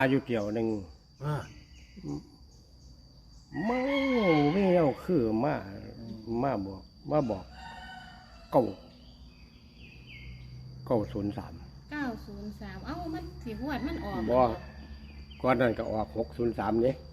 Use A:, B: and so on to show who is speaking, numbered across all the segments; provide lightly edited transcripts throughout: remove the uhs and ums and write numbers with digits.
A: อายุเกี่ยวหนึ่งไม่เอาคือมาบอกเก้า903
B: 903เอ้ามันสิหวดมันออก
A: บ่ก่อนนั้นก็ออก603นี่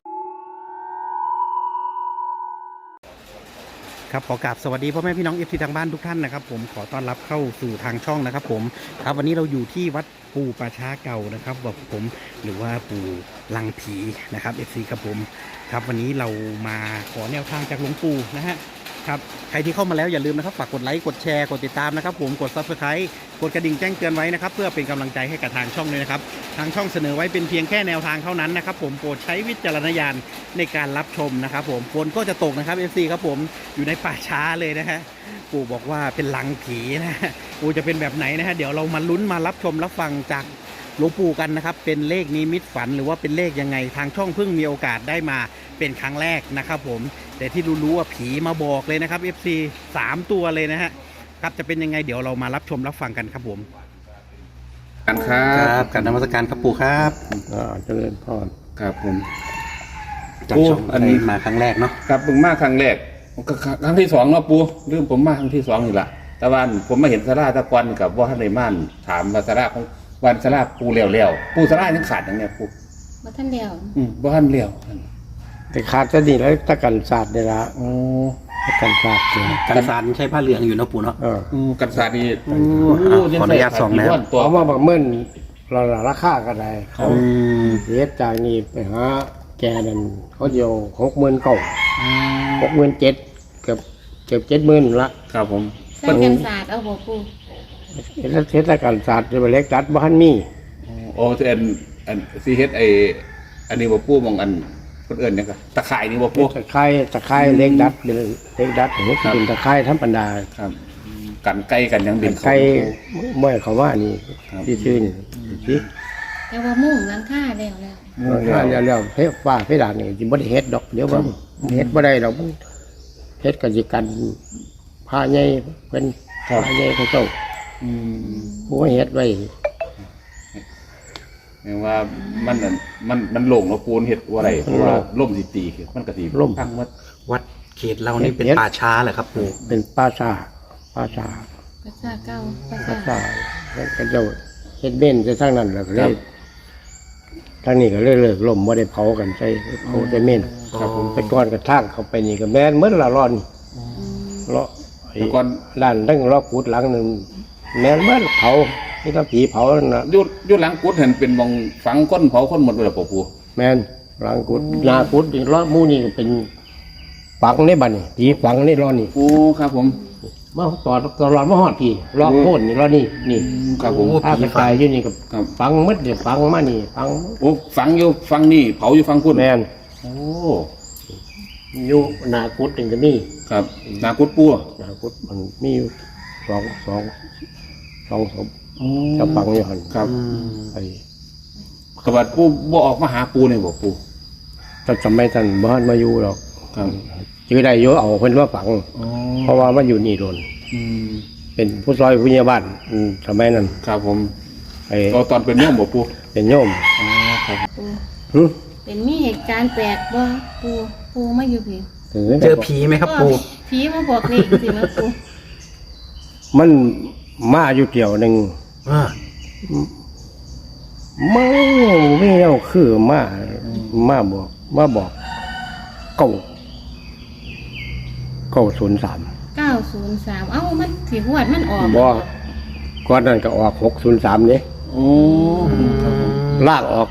C: ครับขอกราบสวัสดีพ่อแม่พี่น้องเอฟซีทางบ้านทุกท่านนะครับผมขอต้อนรับเข้าสู่ทางช่องนะครับผมครับวันนี้เราอยู่ที่วัดปู่ป่าช้าเก่านะครับแบบผมหรือว่าปู่ลังผีนะครับเอฟซีครับผมครับวันนี้เรามาขอแนวทางจากหลวงปู่นะฮะครับใครที่เข้ามาแล้วอย่าลืมนะครับฝากกดไลค์กดแชร์กดติดตามนะครับผมกด Subscribe กดกระดิ่งแจ้งเตือนไว้นะครับเพื่อเป็นกำลังใจให้กับทางช่องเลยนะครับทางช่องเสนอไว้เป็นเพียงแค่แนวทางเท่านั้นนะครับผมโปรดใช้วิจารณญาณในการรับชมนะครับผมฝนก็จะตกนะครับ FC ครับผมอยู่ในป่าช้าเลยนะฮะปู่บอกว่าเป็นลังผีนะฮะปู่จะเป็นแบบไหนนะฮะเดี๋ยวเรามาลุ้นมารับชมรับฟังจากหลวงปู่กันนะครับเป็นเลขนิมิตฝันหรือว่าเป็นเลขยังไงทางช่องเพิ่งมีโอกาสได้มาเป็นครั้งแรกนะครับผมแต่ที่รู้ว่าผีมาบอกเลยนะครับ FC 3 ตัวเลยนะฮะครับจะเป็นยังไงเดี๋ยวเรามารับชมรับฟังกันครับผม
D: กันครับ
C: การนมัสการครับปู่ครับ
A: เจริญพร
D: ครับผม
C: จากช่องอันนี้มาครั้งแรกเนาะ
D: ครับผมมาครั้งแรกครั้งที่2เนาะปู่ลืมผมมาครั้งที่2นี่แหละแต่ว่าผมมาเห็นสาราตะกอนกับว่าท่านในม่านถามว่าสาราของวันสาราปูเลี้ยวปูสารายังขาดอย่างเนี้ยปู
B: บ่ทันเดียว
D: บ่ท่านเลี้ยว
A: แต่ขาดจะดีแล้วตะกันศาสตร์นี่ละตะกันศาสตร์
C: กันศาสตร์ใช้ผ้าเหลืองอยู่นะปู่เนาะ
D: กันศาสตร์นี่
C: ขออนุญาตส่องแล้ว
A: เขามาบักเมื่นเราราคากันได้เขาเสียจากนี้ไปหาแกนั่นเขาเดียว69,000 67,000เกือบ70,000ละ
D: ครับผม
B: ใส่กันศาสตร์เอาบ่ปู่
A: เทศกาลศาสตร์เล็กดัดบ้านมี
D: โอ้อันซีเฮ็ดอันนี้บ่ปู่มองอันคนอื่นเนี่ยก็ตะไคร่นี่บ่ปู่
A: ตะไคร่เล็กดัดเป็นเล็กดัดผมเป็นตะไคร่ธรรมดา
D: ครับกันไก่กันยังเป็น
A: ไก่ไม่เขาว่านี่ที่ชื่อนี่สิ
B: แต่ว่ามุ่งหลังคาแล้ว
A: แล้วเพดานนี่สิบ่ได้เฮ็ดดอกเดี๋ยวว่าเฮ็ดบ่ได้ดอกเฮ็ดก็สิกันผ้าใหญ่เป็นผ้าใหญ่เขาเจ้าผู้เฮ็ดไว้
D: แปลว่ามันหลงแล้วปูนเห็ดว่าอะไรเพราะว่าล่มสิตีมันกระตี
A: ล่ม
D: ทั้ง
C: วัดเขตเรานี่เป็นป่าช้าเหรอครับปู่
A: เป็นป่าช้า
B: เก่า
A: ป่าช้าแล้วก็เจ้าเฮ็ดเบ้นจะทั้งนั้นแล้วก็เลยทางนี้ก็เลยเลิกล่มบ่ได้เผากันใช้เผาแต่เม่นครับผมไปก้อนกระทั่งเข้าไปนี่ก็แม่นเหมือนละร้อนเลาะ
D: ก่อน
A: ด้านตั้งรอบกุดหลังนึงแม่นเหมือนเผานี่ก็ผีเผานั่นน่ะ
D: ยุดหลังกุดเห็นเป็นมองฝังก้นเผาคนหมดเลยปู่
A: แม่นหลังกุดหน้ากุดอีกรอบหมู่นี่เป็นฝังในบัดนี่ผีฝังในรอนี่
D: โอ้ครับผม
A: มาตลอดมาฮอดพี่รอบโค่นนี่รอนี่
D: ครับผม
A: ถ้ากระจายอยู่นี่ก็ฝังหมดเนี่ยฝังมานี่ฝัง
D: โอ้ฝังอยู่ฝังนี่เผาอยู่ฝังกุด
A: แม่น
D: โอ้
A: อยู่หน้ากุดนี่ก็มี
D: ครับหน้ากุดปู่
A: หน้ากุดมันมีอยู่สองศพจะฝังอยู่หั่น
D: ครับ
A: ไอ้
D: กบฏปู่บ่ออกมาหาปู่นี่บ่ปู่
A: ถ้าจำไม่ทันบ้านมาอยู่หรอก
D: ครับ
A: จื้อได้เยอะเอาเพิ่นว่าฝังเพราะว่ามันอยู่นี่โดนเป็นผู้ซอยผู้ใหญ่บ้านสมัยนั้น
D: ครับผมตอนเป็นโยมบ่ปู่
A: เป็นโยม
D: ครับ
B: เป็นมีเหตุการณ์แปลกบ่ปู่มาอยู่ผี
C: เจอผีไหมครับปู่
B: ผีมาบอกนี่สิมาปู่
A: มันมาอยู่เกี่ยวหนึ่งไม่เอาคือมาบอก903
B: เอ้ามันสิหวดมันออก
A: บ่ก่อนนั้นก็ออก603นี่ลากออก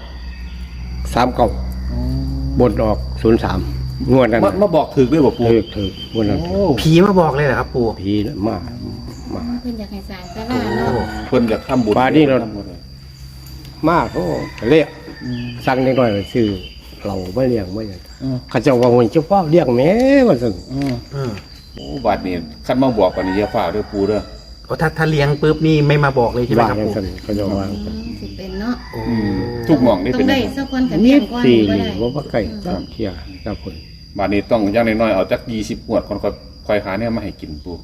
A: 39บนออก03งวดนั้น
D: มาบอกถึกด้วยบ่ปู่
A: ถึกงวดนั้น
C: ผีมาบอกเลยเหรอครับปู่
A: ผีมา
B: เพิ่นอยากให้สร้างศาลาเนาะ
D: เพิ่นอยากทำบุญ
A: ป่านี้เรามาเขาเรียกสั่งนิดหน่อยชื่อเราไม่เลี้ยงไม่อย่างข้าเจ้าว่ามันเจ้าพ่อเลี้ยงแม่ว่าซั่น
D: โอ้บาดนี้คันมาบอกกันนี่อย่าฟ้าเด้อปู่เด้อ
C: ถ้าเลี้ยงปุ๊บนี่ไม่มาบอกเลยใช่ไหมครับปู่
A: เขาจะว่า
B: สิเป็นเนาะ
D: ทุกหม่องนี่เป็น
B: ต้องได้สักคนกันเลี้ยงก่อน
A: บ่ได้บ่ไก่เที่ยเจ้าคน
D: บาดนี้ต้องอย่างน้อยๆเอาจัก20งวดก่อนค่อยหาเนี่ยมาให้กินปู่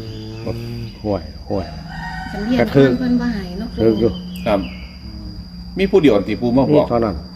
A: ห่วย
B: ฉันเรียนเพิ่นบ่ให้เนาะ
A: คือ
D: ครับมีผู้เดียวที่ปูมาบ
A: นี่
D: อก
A: เท่านั้น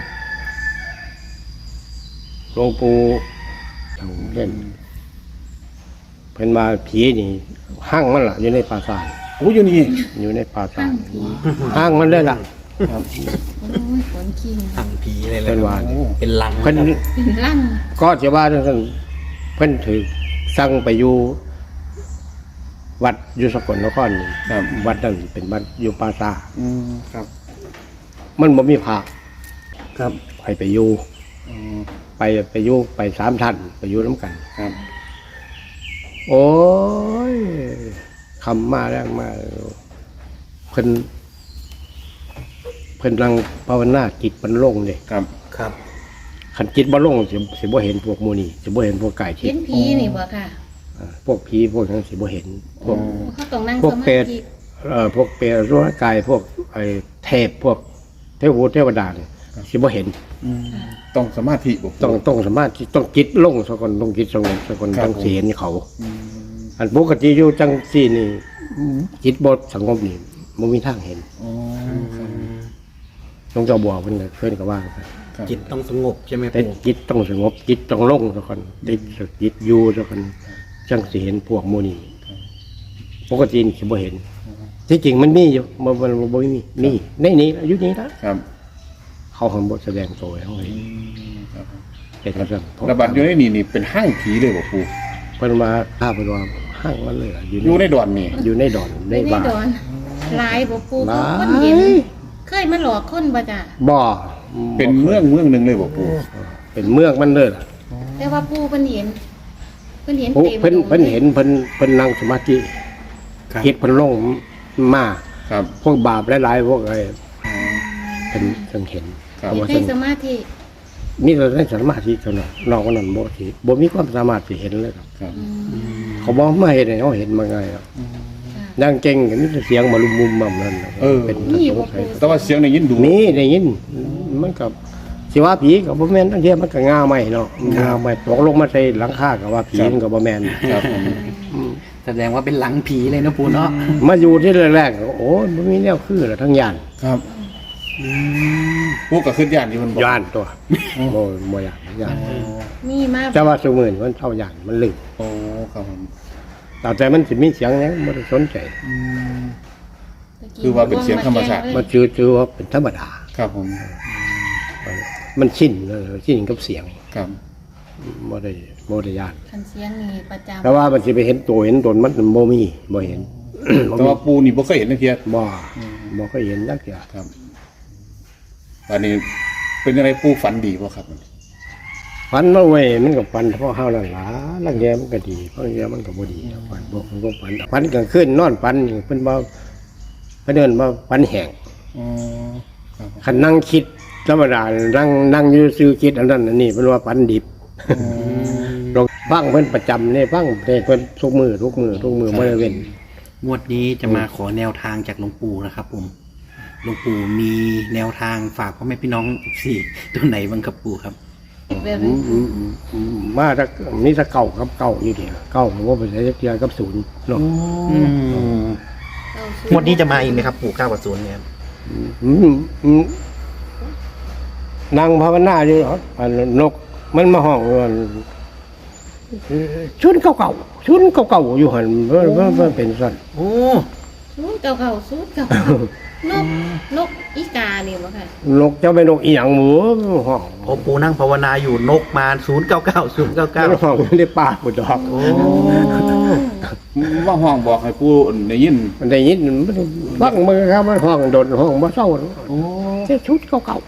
A: หลวงปู่ทางเล่นเพิ่นมาผีนี่ห้างมันล่ะอยู่ในปราสาท
D: โอ้อยู่นี่
A: อยู่ในปราสา
B: ข้า
A: ท
B: งผี
A: ห้างมันเลยล่ะ
D: ครับ
B: โอ้ยขนขี้
C: ตั้งผีเลยแหละ
A: เป็นว่า
C: เป็นลัง
A: เพิ่น
B: เป็นลั่น
A: ก็จะว่าจังซั่นเพิ่นถือสั่งไปอยู่วัดอยู่สกลนครนี่
D: ครับ
A: วัดนั้นเป็นวัดอยู่ปราสาท
D: ครับ
A: มันบ่มีพระ
D: ครับ
A: ไปอยู่
D: อืม
A: ไปอยู่ไป3ท่านไปอยู่นํกัน
D: ครับ
A: โอ้ยคำมาแรงมาเพิ่นนั่งภาวนาจิตมันลงเลย
D: ครับ
C: ครับ
A: ขันจิตบ่ลงสิบ่เห็นพวกหมูนี่สิบ่เห็นพวกไก่ทิ
B: เห็
A: พ
B: น
A: ย์
B: ผีนี่บ่ค่ะ
A: พวกผีพวกนั้นสิบ่เห็นพวก
B: เขาต้องนั่ง
A: พว
B: ส
A: ก
B: มา
A: เปรต
B: ธิ
A: พวกเปรตร่างกายพวกไอ้เทพพวกเทวดาเนี่ยสิบ่เห็น
D: ต้องสมาธิบ่ปู
A: ต้องสามารถที่ต้องจิตลงซะก่อนต้องจิตสงบซะก่อน
D: ครับ
A: ต้องสิเห็นเขา
D: อืม
A: อันปกติอยู่จังซี่นี่จิตบ่สงบนี่บ่มีทางเห็น
D: อ๋อครับ
A: หลวงเจ้าบัวเพิ่นก็ว่าไป
D: ครับ
C: จิตต้องสงบใช่ไหม
A: แต่
C: ปู่
A: จิตต้องสงบจิตต้องลงซะก่อนจิตอยู่ซะก่อนจังสิเห็นพวกหมู่นี้ปกตินี่สิบ่เห็น ที่จริงมันมีอยู่มันบ่มีในนี้อยู่นี่นะครับ เขาหันบ่แสดงตัวให้เขาเห็น
D: ครับ
A: เป็นจังซั่น
D: ระบาดอยู่ในนี่เป็นห้างผีเลยบ่ปู
A: เพิ่นมาถ้าเพิ่นว่าห้างมันเลยอะ
D: อยู่ในดอนนี่
A: อยู่ในดอนใน
B: ไม่ได้
A: บ้าน
B: โดนหลายบ่ปู
A: หลาย
B: คนเห็น เคยมาหลอกคนบ่จ้ะ
A: บ่
D: เป็นเมืองหนึงเลยบ่ปู
A: เป็นเมืองมันเลยล่ะ
B: แต่ว่าปูเพิ่นเห็นเพิ่นเห็น
A: โอ้
B: เต็ม
A: เพิ่นเห็นเพิ่นนั่งสมาธิ
C: ครับ
A: จิตเพิ่นลงมา
D: ครับ
A: พวกบาปหลายๆพวกไอ้
D: อ๋อ
A: เพิ่นเห็น
D: ครับ
B: เห็น
A: ว่า
B: ได้สมาธิ
A: มีแต่ได้สมาธิเท่านั้นนอกนั้นบ่มีความสามารถสิเห็นเลยครับ
D: ครับ
B: อืม
A: เขาบอกมาเห็นให้เขาเห็นมาไงครับ
B: ค่ะ
A: นั่งเก่งกันมีแต่เสียงมาลุมมุมมั่มนั่นน่ะเป็น
B: นี่บ่
A: สงสัย
D: แต่ว่าเสียงได้ยินดู
A: มีได้ยินมันกับสิว่าผีกับบ่แม่นทั้งเทียมันก็งาใหม่เนาะงาใหม่ตกลงมาใส่หลังคาก็ว่าผีมันก็บ่แม่น
D: ครับผม
C: แสดงว่าเป็นหลังผีเลยนะปู่เนาะ
A: มาอยู่ที่แรกๆก็โอ้ยบ่มีแนวคือละทั้งย่าน
D: ครับปูก็ขึ้นย่านที่มันบอก
A: ย่านตัวบ่ย่าน
B: มีมา
A: แต่ว่าซุมื้อนี้มันเท่าย่านมันลึก
D: โอ้ครับผม
A: แต่มันสิมีเสียงหยังบ่ได้สนใจ
D: คือว่าเป็นเสียงธรรมชาติ
A: มันชื่อว่าเป็นธรรมดา
D: ครับผม
A: มันชินเลยชินกับเสียง
D: ครับ
A: บ่ได้ย่าน
B: คันเสียงนี่ประจำ
A: แต่ว่ามันสิไปเห็นตัวเห็นตนมันบ่มีบ่เห็น
D: แต่ว่าปูนี่บ่เคยเห็นนักเทีย
A: บ่เคยเห็นจักอย่าง
D: ครับอันนี้เป็นอะไรปูฝันดีป่ะครับ
A: ฝันมาไว้มันก็ฝันเพราะเฮานั่นล่ะลังแยมันก็ดีบางแยมันก็บ่ดีฝันบ่มันก็ฝันกลางคืนนอนฝันนี่เพิ่นบ่เพิ่นเอิ้นว่าฝันแห้ง
D: อ๋อครับ
A: คันนั่งคิดธรรมดานั่งอยู่ซื่อคิดอันนั้นอันนี้เพิ่นว่าฝันดิบลองฟังเพิ่นประจำนี่ฟังเพิ่นทุกมื้อบ่ได้เว้น
C: งวดนี้จะมาขอแนวทางจากหลวงปู่นะครับผมหลวงปู่มีแนวทางฝากพ่อแม่พี่น้องสี่ตัวไหนบ้างครับปู่ครับ
B: แบบนี้
A: มาถ้ามีถ้าเก่ากับเก่าอยู่เดียวเก่าผมว่าไปใช้เทียกับศูนย์เนาะ
C: งวดนี้จะมาอีกไหมครับปู่9 กับ 0เนี่ย
A: นั่งภาวนาอยู่ครับอันนกมันมาห้องว่าชุนเก่าอยู่หันเพื่อเป็นสัน
C: โอ้
B: สูดเก่าๆสูดเก่าๆนกอีกานี่บ่ค่ะ
A: นกเจ้าเป็นนกอีหยังหมูห้อง
C: พอปู่นั่งภาวนาอยู่นกมา099
A: ห้องไม่ได้ปากบุดอก
C: โอ้
D: ว่าห้องบอกให้ปูได้ยิน
A: มันได้ยินมันฟังมือครับมันห้องโดนห้องบ่เศร้า
D: โอ้
A: เจ้าชุดเก่า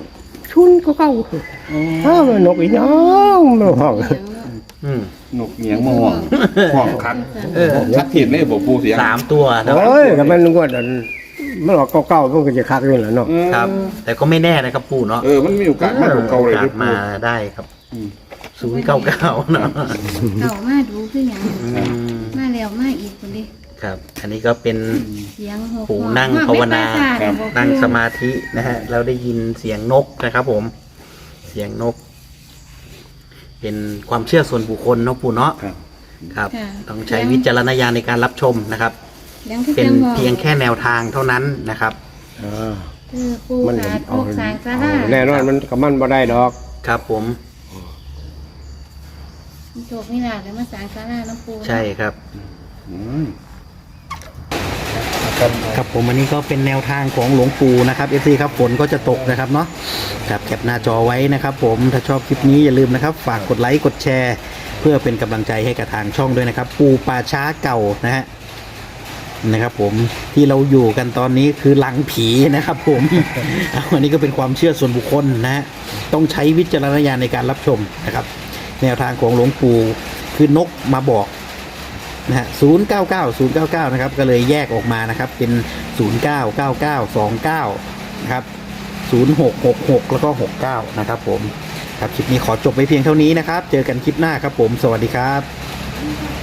A: ถ้ามันนกอีหยังมันห้อง
C: อืม
D: นกเงียงมาห้องห้องคักคักเทียนเลยบอกปูเสียง
C: 3 ตัวนะ
A: โอ้ยก็มันว่ามันออกเก่าๆมันก็จะคักอยู่แหละเนาะ
C: ครับ แต่ก็ไม่แน่นะครับปู่เนาะ
D: มันมีโอกาสมากกว่าเก่าเลย
C: โอกา
D: ที่
C: ส
D: ปู
C: มาได้ครับ099เนาะ
B: เก่ามาดูคือหยัง
C: อืม
B: มาแล้วมาอีกคนดิ
C: ครับ อันนี้ก็เป็น
B: เสียงหก
C: ปู่นั่งภาวนา
B: ครับ
C: นั่งสมาธินะฮะเราได้ยินเสียงนกนะครับผม เสียงนก เป็นความเชื่อส่วนบุคคลเนาะปู่เนาะ
D: ครับ
C: ครับ ต้องใช้วิจารณญาณในการรับชมนะครับ
B: ยังคือ
C: เป็น
B: จังหวะ
C: เพียงแค่แนวทางเท่านั้นนะครับ
B: คือปู
A: มัน
B: ขาดโอกสร้างศาลา
A: แน่นอนมันกับมันบ่ได้ดอก
C: ครับผม
B: โชคนี่ล่ะเดี๋ยวมาสร้างศาลาน้ำปู
C: ใช่ครับ
D: อืม
C: ครับผมอันนี้ก็เป็นแนวทางของหลวงปู่นะครับ FC ครับฝนก็จะตกนะครับเนาะครับแคปหน้าจอไว้นะครับผมถ้าชอบคลิปนี้อย่าลืมนะครับฝากกดไลค์กดแชร์ เพื่อเป็นกำลังใจให้กับทางช่องด้วยนะครับ ปู่ป่าช้าเก่านะฮะนะครับผมที่เราอยู่กันตอนนี้คือหลังผีนะครับผม อันนี้ก็เป็นความเชื่อส่วนบุคคลนะฮะต้องใช้วิจารณญาณในการรับชมนะครับ แนวทางของหลวงปู่คือนกมาบอกนะฮะ099นะครับก็เลยแยกออกมานะครับเป็น099929นะครับ0666แล้วก็69นะครับผมครับคลิปนี้ขอจบไปเพียงเท่านี้นะครับเจอกันคลิปหน้าครับผมสวัสดีครับ